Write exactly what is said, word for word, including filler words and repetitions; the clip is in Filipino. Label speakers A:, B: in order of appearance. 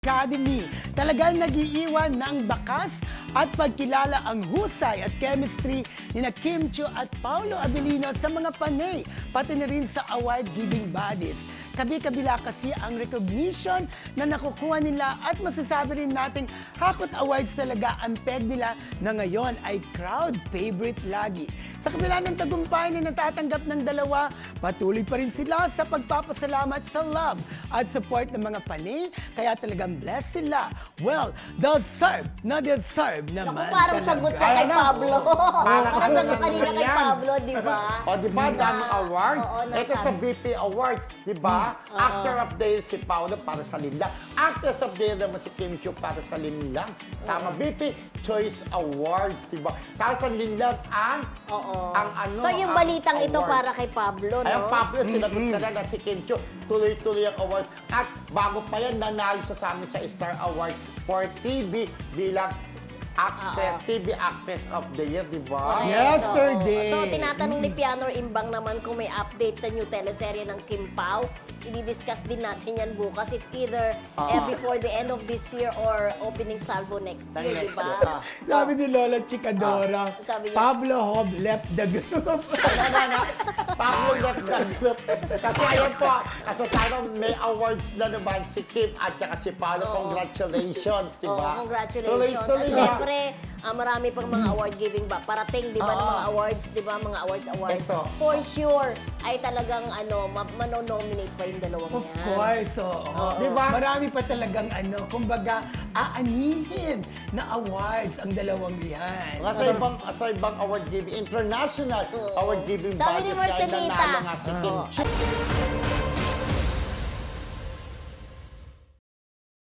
A: Academy. Talagang nagiiwan ng bakas at pagkilala ang husay at chemistry ni na Kim Chiu at Paolo Abilino sa mga panay, pati na rin sa award-giving bodies. Kabi-kabila kasi ang recognition na nakukuha nila at masasabi rin nating Hakot Awards talaga ang peg nila na ngayon ay crowd favorite lagi. Sa kabila ng tagumpay na natatanggap ng dalawa, patuloy pa rin sila sa pagpapasalamat sa love at support ng mga panay, kaya talagang blessed sila. Well, deserve na deserve naman
B: Naku, parang
A: talaga.
B: sagot siya kay
C: Ayan na.
B: Pablo.
C: Parang
B: Parang sagot
C: ano
B: kanina kay
C: yan.
B: Pablo, di ba?
C: O, di ba? Daming awards.
B: Oo,
C: Ito
B: nasa-
C: sa B P Awards, di ba?
B: Mm,
C: Actor of the Year si Paolo para sa Linlang. Actress of the Year naman si Kim Chiu para sa Linlang. Tama, B P Choice Awards, di ba? Tapos ang Linlang ang
B: Oo.
C: ang ano,
B: So yung
C: ang
B: balitang ito
C: award.
B: para kay Pablo, no?
C: Ay, ang Pablo, sinagot ka na na si Kim Chiu, tuloy-tuloy ang awards. At bago pa yan, nanalo siya sa amin sa Star Award for T V bilang actress,
B: Oo.
C: T V Actress of the Year, di ba?
B: Correct.
A: Yesterday.
B: So, so tinatanong ni Pianor Imbang naman kung may update sa new teleserye ng Kim Pao. I-discuss din natin yan bukas. It's either
C: Ah.
B: eh, before the end of this year or opening salvo next
C: Ng
B: year, di
C: next
B: ba?
C: year, ah.
A: Sabi ni Lola Chikadora,
B: Sabi niya-
A: Pablo Hob left the group.
C: Ano na na, Pablo left the group. Kasi ayan po, kasi sana may awards na naman si Kim at saka si Paolo.
B: Oo.
C: Congratulations, di ba?
B: Oo, congratulations.
C: Tuloy-tuloy
B: At
C: na.
B: syempre, ah, marami pang mga award giving ba? Parating, di ba, ng
C: Oo.
B: mga awards, di ba, mga awards, awards.
C: Ito.
B: For sure, ay talagang, ano, ma- manonominate pa yung dalawang
A: Of
B: yan.
A: course, oo.
C: Di ba?
A: Marami pa talagang ano, kumbaga, aanihin na awards ang dalawang yan.
C: Nga sa ibang, sa ibang award giving, international
B: Oo.
C: award giving
B: Sabi ni
C: bodies, kaya
B: Marcelita.
C: nanalo nga si Kim
B: Oo.
C: Chiu.